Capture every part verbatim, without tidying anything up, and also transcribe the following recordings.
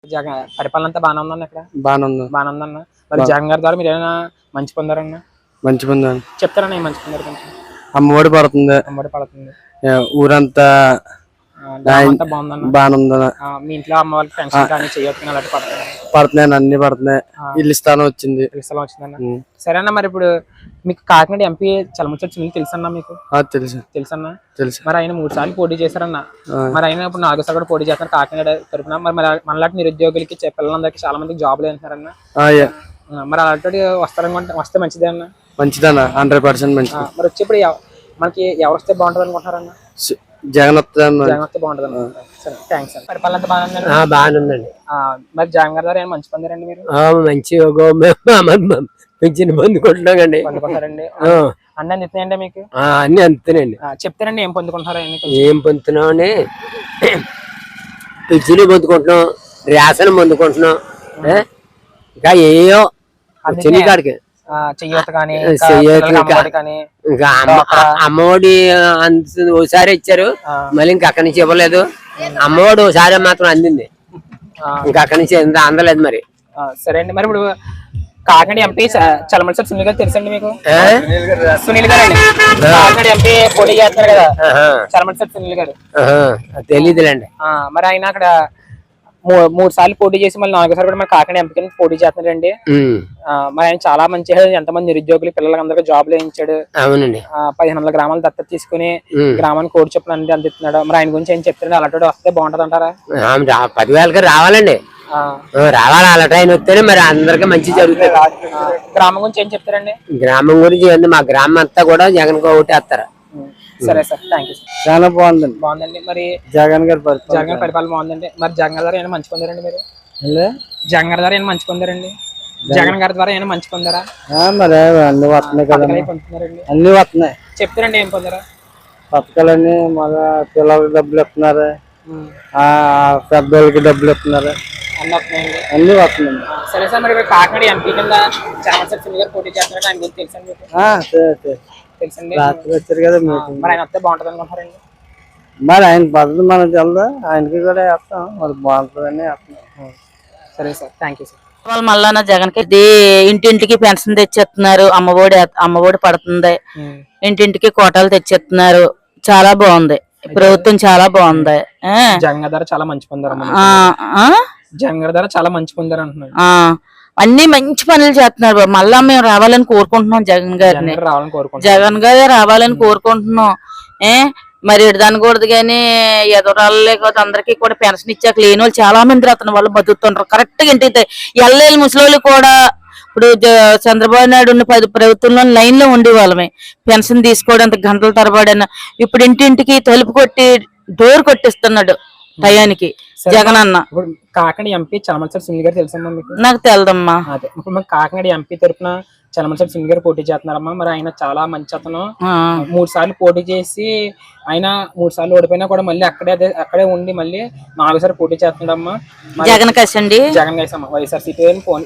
జగన్ పరిపాలన అంతా బాగానే ఉందన్న ఇక్కడ బాగానే ఉంది బాగానే ఉందన్న మరి జగన్ గారి ద్వారా మీరు ఏమైనా మంచి పొందారన్న మంచి పొందాను చెప్తారన్న ఏం మంచి పొందారు కొంచెం అమ్మఒడి పడుతుంది అమ్మఒడి పడుతుంది ఊరంతా అంతా బాగుందన్న బాగానే ఉందన్న మీ ఇంట్లో అమ్మ వాళ్ళకి పెన్షన్ కానీ చేయొచ్చు అలాంటి పడుతున్నాయి పడుతున్నాయి అన్ని పడుతున్నాయి ఇల్లు స్థానం వచ్చింది ఇల్లు స్థలం వచ్చిందన్న సరేనా మరి ఇప్పుడు మీకు కాకినాడ ఎంపీ చలమచర్చి సునీల్ తెలుసన్నా మీకు తెలుసు తెలుసన్నా తెలుసు మరి ఆయన మూడు సార్లు పోటీ చేశారన్న మరి ఆయన ఇప్పుడు నాలుగో సార్ కూడా పోటీ చేస్తారు కాకినాడ తరపున మరి మనలాంటి నిరుద్యోగులకి పిల్లలందరికీ చాలా మందికి జాబ్లు వేస్తున్నారన్న మరి అలాంటి వస్తారనుకుంటే వస్తే మంచిదే అన్న మంచిదన్న హండ్రెడ్ పర్సెంట్ మంచిది మరి వచ్చేప్పుడు మనకి ఎవరు వస్తే బాగుంటుంది అనుకుంటున్నారన్న జగన్ వస్తే జగన్ వస్తే బాగుంటుంది సరే థ్యాంక్స్ అండి పరిపాలన అంతా బాగానే ఉందండి బాగానే ఉందండి మరి జగన్ గారి ద్వారా ఏమైనా మంచి పొందారండి మీరు మంచి పెన్షన్ పొందుకుంటున్నామండి పొందుకుంటారండి అన్నీ అందుతున్నాయండి మీకు అన్ని అందుతానండి చెప్తారండి ఏం పొందుకుంటున్నారా ఏం పొందుతున్నామని పెన్షన్ పొందుకుంటున్నాం రేషన్ పొందుకుంటున్నాం ఇంకా ఏయో చిన్న కాడికి ఇంకా అమ్మఒడి ఒకసారి ఇచ్చారు మళ్ళీ ఇంక అక్కడి నుంచి ఇవ్వలేదు అమ్మఒడి ఒకసారి మాత్రం అందింది ఇంకా అక్కడి నుంచి అందలేదు మరి సరే అండి మరి ఇప్పుడు కాకినాడ ఎంపీ చలమలసారి సునీల్ గారు తెలుసండి మీకు సునీల్ గారు అండి కాకినాడ ఎంపీ పోటీ చేస్తారు కదా చలమలసారి సునీల్ గారు తెలీదులేండి మరి ఆయన అక్కడ మూడు సార్లు పోటీ చేసి మళ్ళీ నాలుగోసారి కూడా మన కాకినాడ ఎంపీ పోటీ చేస్తున్నారండి మరి ఆయన చాలా మంచి ఎంతమంది నిరుద్యోగులు పిల్లలందరికీ జాబ్లు వేయించాడు అవునండి పదిహేను వందల గ్రామాలు దత్తత తీసుకుని గ్రామానికి కోడి చొప్పున అన్ని అందిస్తున్నాడు మరి ఆయన గురించి ఏం చెప్తారండి అలాంటి వస్తే బాగుంటది అంటారా పదివేలకి రావాలండి రావాలి అలాంటి ఆయన వస్తేనే మరి అందరికి మంచి జరుగుతుంది గ్రామం గురించి ఏం చెప్తారండి గ్రామం గురించి మా గ్రామం అంతా కూడా జగన్ ఓటేస్తారు సరే సార్ థ్యాంక్ యూ సార్ చాలా బాగుందండి బాగుందండి మరి జగన్ గారి జగన్ గారి పరిపాలన బాగుందండి మరి జగన్ గారి ద్వారా ఏమైనా మంచి పొందారండి మీరు జగన్ గారి ద్వారా ఏమైనా మంచి పొందారండి జగన్ గారి ద్వారా ఏమైనా మంచి పొందారా మరి అన్ని వస్తున్నాయి కదా అన్ని వస్తున్నాయి చెప్తారండి ఏం పొందారా పథకాలన్నీ మళ్ళా పిల్లలకి డబ్బులు ఇస్తున్నారు పెద్దోళ్ళకి డబ్బులు ఇస్తున్నారు అన్ని వస్తున్నాయి సరే సార్ మరి కాకినాడ ఎంపీ కింద చలమలసారి సునీల్ గారు పోటీ చేస్తున్నారు ఆయన గురించి తెలుసండి తెలుసండి వచ్చారు కదా మరి ఆయన వస్తే బాగుంటుంది అనుకుంటారండి మరి ఆయన పద్ధతి మనం తెలదు ఆయనకి కూడా వేస్తాం మరి బాగుంటుందని వేస్తున్నాం సరే సార్ థ్యాంక్ యూ సార్ వాళ్ళు మళ్ళా జగన్ కి ఇంటింటికి పెన్షన్ తెచ్చేస్తున్నారు అమ్మఒడి అమ్మఒడి పడుతుంది ఇంటింటికి కోటాలు తెచ్చేస్తున్నారు చాలా బాగుంది ప్రభుత్వం చాలా బాగుంది జగన్ గారి చాలా మంచి పొందారు జగన్ గారి ద్వారా చాలా మంచి పొందారు అంటున్నారు అన్ని మంచి పనులు చేస్తున్నారు మళ్ళా మేము రావాలని కోరుకుంటున్నాం జగన్ గారిని జగన్ గారే రావాలని కోరుకుంటున్నాం ఏ మరి దానికూడదు కానీ ఎదురాలు లేకపోతే అందరికీ కూడా పెన్షన్ ఇచ్చాక లేని వాళ్ళు చాలా మంది అతని వాళ్ళు బతుకుతుంటారు కరెక్ట్ గా ఇంటికి ఎల్లెళ్ళి ముసలి కూడా ఇప్పుడు చంద్రబాబు నాయుడు ఉన్న పది ప్రభుత్వంలో లైన్ లో ఉండే వాళ్ళమే పెన్షన్ తీసుకోవడానికి గంటల తరబడిన ఇప్పుడు ఇంటింటికి తలుపు కొట్టి డోర్ కొట్టిస్తున్నాడు టయానికి జగన్ అన్న కాకినాడ ఎంపీ చలమలసారి సునీల్ గారు తెలుసమ్మా మీకు నాకు తెలదమ్మా అదే ఇప్పుడు మన కాకినాడ ఎంపీ తరఫున చలమలసారి సునీల్ గారు పోటీ చేస్తున్నారమ్మా మరి ఆయన చాలా మంచి అతను మూడు సార్లు పోటీ చేసి ఆయన మూడు సార్లు ఓడిపోయినా కూడా మళ్ళీ అక్కడే అక్కడే ఉండి మళ్ళీ నాలుగోసారి పోటీ చేస్తున్నాడమ్మా జగన్ కసండి జగన్ కసమ్మ వైఎస్ఆర్సీపీ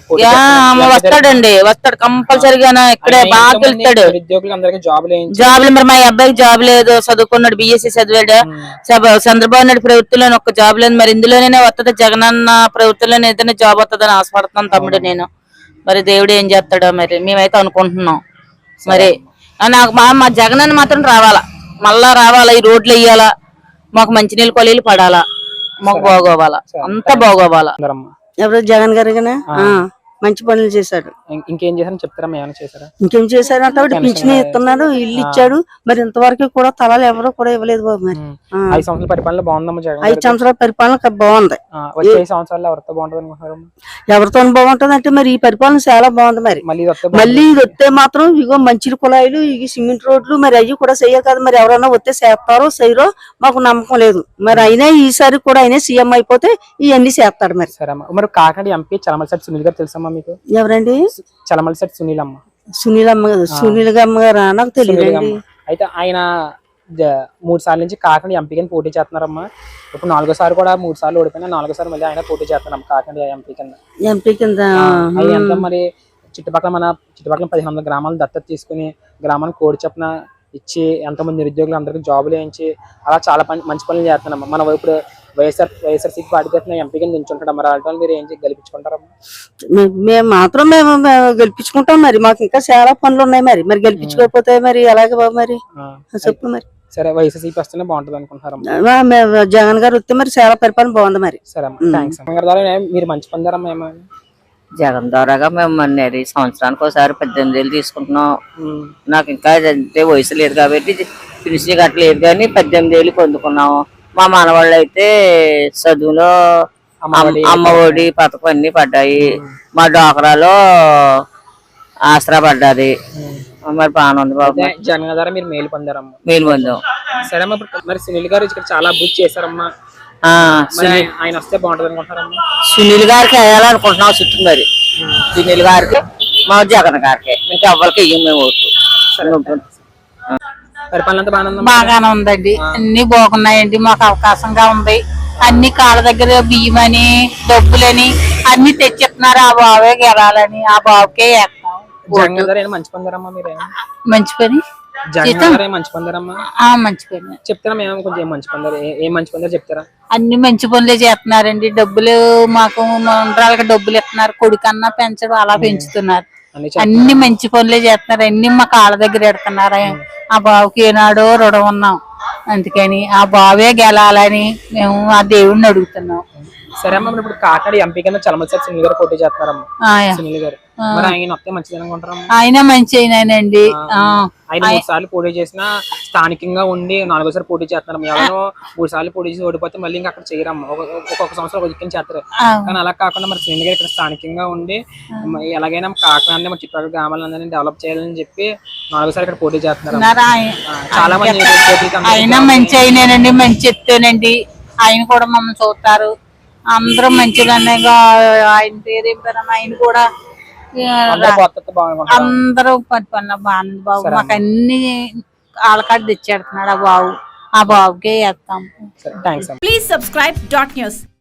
వస్తాడండి వస్తాడు కంపల్సరిగా ఇక్కడే బాగా గెలుస్తాడు నిరుద్యోగులు అందరికీ జాబ్ జాబ్లు మరి మా అబ్బాయికి జాబ్ లేదు చదువుకున్నాడు బిఎస్సీ చదివాడు చంద్రబాబు నాయుడు ప్రభుత్వంలో ఒక్క జాబ్ లేదు మరి ఇందులోనే వస్తుంది జగన్ అన్న ప్రభుత్వంలోనే ఏదైనా జాబ్ వస్తుందని ఆశపడుతున్నాను తమ్ముడు నేను మరి దేవుడు ఏం చేస్తాడో మరి మేమైతే అనుకుంటున్నాం మరి నాకు మా మా జగన్ అన్న మాత్రం రావాలా మళ్ళా రావాలా ఈ రోడ్లు వేయాలా మాకు మంచినీళ్ళు కొలీలు పడాలా మాకు బాగోవాలా అంతా బాగోవాలా ఎవరు జగన్ గారు మంచి పనులు చేశాడు ఇంకేం చేశారని చెప్తారా ఏమైనా చేశారా ఇంకేం చేశారంటే పింఛన్ ఇస్తున్నాడు ఇల్లు ఇచ్చాడు మరి ఇంతవరకు కూడా తలాలు ఎవరు కూడా ఇవ్వలేదు బాబు మరి ఐదు సంవత్సరాల పరిపాలన బాగుందమ్మా జగన్ ఐదు సంవత్సరాల పరిపాలన బాగుంది వచ్చే సంవత్సరాలు ఎవరితో బాగుంటుంది అనుకుంటున్నారు ఎవరితో బాగుంటది అంటే మరి ఈ పరిపాలన చాలా బాగుంది మరి మళ్ళీ ఇది వస్తే మాత్రం ఇగో మంచి కుళాయిలు ఇవి సిమెంట్ రోడ్లు మరి అవి కూడా చెయ్యాలి కదా మరి ఎవరైనా వస్తే చేస్తారో చేయరో మాకు నమ్మకం లేదు మరి అయినా ఈసారి కూడా అయినా సీఎం అయిపోతే ఇవన్నీ చేస్తాడు మరి సరే అమ్మా మరి కాకినాడ ఎంపీ చలమలసారి సునీల్ గారు తెలుసమ్మా మీకు ఎవరండి చలమలసారి సునీల్ అమ్మ సునీల్ అమ్మ గారు సునీల్ అమ్మ గారు నాకు తెలియదు అయితే ఆయన మూడు సార్లు నుంచి కాకినాడ ఎంపీ కింద పోటీ చేస్తున్నారమ్మా ఇప్పుడు నాలుగోసారి కూడా మూడు సార్లు ఓడిపోయినా నాలుగోసారి మళ్ళీ ఆయన పోటీ చేస్తున్నాం కాకినాడ ఎంపీ కింద ఎంపీ కింద ఎంత మరి చుట్టుపక్కల మన చుట్టుపక్కల పదిహేను వందల గ్రామాలను దత్తత తీసుకుని గ్రామానికి కోడి చొప్పున ఇచ్చి ఎంతమంది నిరుద్యోగులు అందరికీ జాబులు వేయించి అలా చాలా మంచి పనులు చేస్తున్నాం. మనం ఇప్పుడు వైఎస్ఆర్ వైఎస్ఆర్సీపీ పార్టీ తరఫున ఎంపీగా నిల్చుంటాడు మరి వాళ్ళ మీరు ఏం గెలిపించుకుంటారమ్మా? మే- మేము మాత్రం మేము మేము గెలిపించుకుంటాం మరి. మాకు ఇంకా చాలా పనులు ఉన్నాయి మరి. మరి గెలిపించుకోకపోతే మరి ఎలాగే బాబు మరి ఆ, చెప్పు మరి. సరే వైఎస్ఆర్సీపీ వస్తేనే బాగుంటుంది అనుకుంటారమ్మా? ఆ, మేము జగన్ గారు వస్తే మరి చాలా పరిపాలన బాగుంది మరి. సరే అమ్మా, థ్యాంక్స్ అమ్మ. గారి ద్వారా ఏ- మీరు మంచి పొందారమ్మా ఏమైనా? జగన్ ద్వారాగా మేము అన్నది సంవత్సరానికి ఒకసారి పద్దెనిమిది వేలు తీసుకుంటున్నాం. ఉమ్, నాకు ఇంకా అంటే వయసు లేదు కాబట్టి ఫినిషింగ్ కట్టలేదు కానీ పద్దెనిమిది వేలు పొందుకున్నాము. మా మనవాళ్ళు అయితే చదువులో అమ్మఒడి. అమ్మ ఒడి పథకం అన్ని పడ్డాయి. మా డోకరాలో ఆసరా పడ్డది. మరి బాగానే ఉంది బాబు. అదే జగన్ గారి ద్వారా మీరు మేలు పొందారమ్మా? మేలు పొందాం. సరే అమ్మా, ఇప్పుడు మరి సునీల్ గారు ఇక్కడ చాలా అభివృద్ధి చేశారమ్మా. ఆ, మరి ఆయన- ఆయన వస్తే బాగుంటుంది అనుకుంటారమ్మా? సునీల్ గారికి వేయాలనుకుంటున్నాం చుట్టూ మరి. సునీల్ గారికి మా జగన్ గారికి ఇంకా ఎవరికి వెయ్యం మేము ఓట్లు. పరిపాలన అంతా బాగానే ఉందమ్మా? బాగానే ఉందండి. అన్ని బాగున్నాయండి. మాకు అవకాశంగా ఉంది. అన్ని కాళ్ళ దగ్గర బియ్యం అని డబ్బులని అన్ని తెచ్చిస్తున్నారు. ఆ బావే గెలాలని ఆ బాబుకే వేస్తాం. జగన్ గారు ఏమైనా మంచి పొందారమ్మా మీరు? మంచి పని జగన్ గారు ఏం మంచి పొందారమ్మా? ఆ మంచి పని. చెప్తారా మేము కొంచెం ఏం మంచి పొందారు? ఏ- ఏం మంచి పొందారు చెప్తారా? అన్ని మంచి పనులే చేస్తున్నారండి. డబ్బులు మాకు మండరాలకి డబ్బులు ఇస్తున్నారు. కొడుకన్నా పెంచడం అలా పెంచుతున్నారు. అన్ని అన్ని మంచి పనులే చేస్తున్నారు. అన్ని మా కాళ్ళ దగ్గర ఎడుతున్నారు. ఆ బాబుకి ఏనాడో రుణం ఉన్నాం. అందుకని ఆ బావే గెలాలని మేము ఆ దేవుడిని అడుగుతున్నాం. సరే అమ్మా, మరి ఇప్పుడు కాకినాడ ఎంపీ కింద చలమసారి సునీల్ గారు పోటీ చేస్తున్నారమ్మా. ఆ, సునీల్ గారు మరి ఆయన వస్తే మంచిది అనుకుంటారమ్మా? ఆయన మంచి అయినానండి. ఆ, ఆయన మూడు సార్లు పోటీ చేసినా స్థానికంగా ఉండి నాలుగోసారి పోటీ చేస్తున్నారు. ఎవరో మూడు సార్లు పోటీ చేసి ఓడిపోతే మళ్ళీ ఇంకా అక్కడ చేయరమ్మా. ఒక- ఒక్కొక్క సంవత్సరం ఒక దిక్కుని చేస్తారు. ఆ. కానీ అలా కాకుండా మరి సునీల్ గారు ఇక్కడ స్థానికంగా ఉండి మ- ఎలాగైనా కాకినాడని మన చుట్టుపక్కల గ్రామాలందరినీ డెవలప్ చేయాలని చెప్పి నాలుగోసారి ఇక్కడ పోటీ చేస్తున్నారు. ఉన్నారు ఆయన. చాలా మంది పోటీకి అందరూ ఆయన మంచి అయినానండి. మంచి ఎత్తేనండి. ఆయన కూడా మమ్మల్ని చూస్తారు. అందరూ మంచిగానే ఆయన పేరేం పేరు ఆయన కూడా ఆ, అందరూ కొత్త బాగుంటారు. అందరూ పని పనులు బాగుంది బాబు. మాకు అన్ని ఆలకాడ తెచ్చేడుతున్నాడు ఆ బాబు. ఆ బాబుకే వేస్తాం. థ్యాంక్స్ అమ్మా. Please subscribe dot news.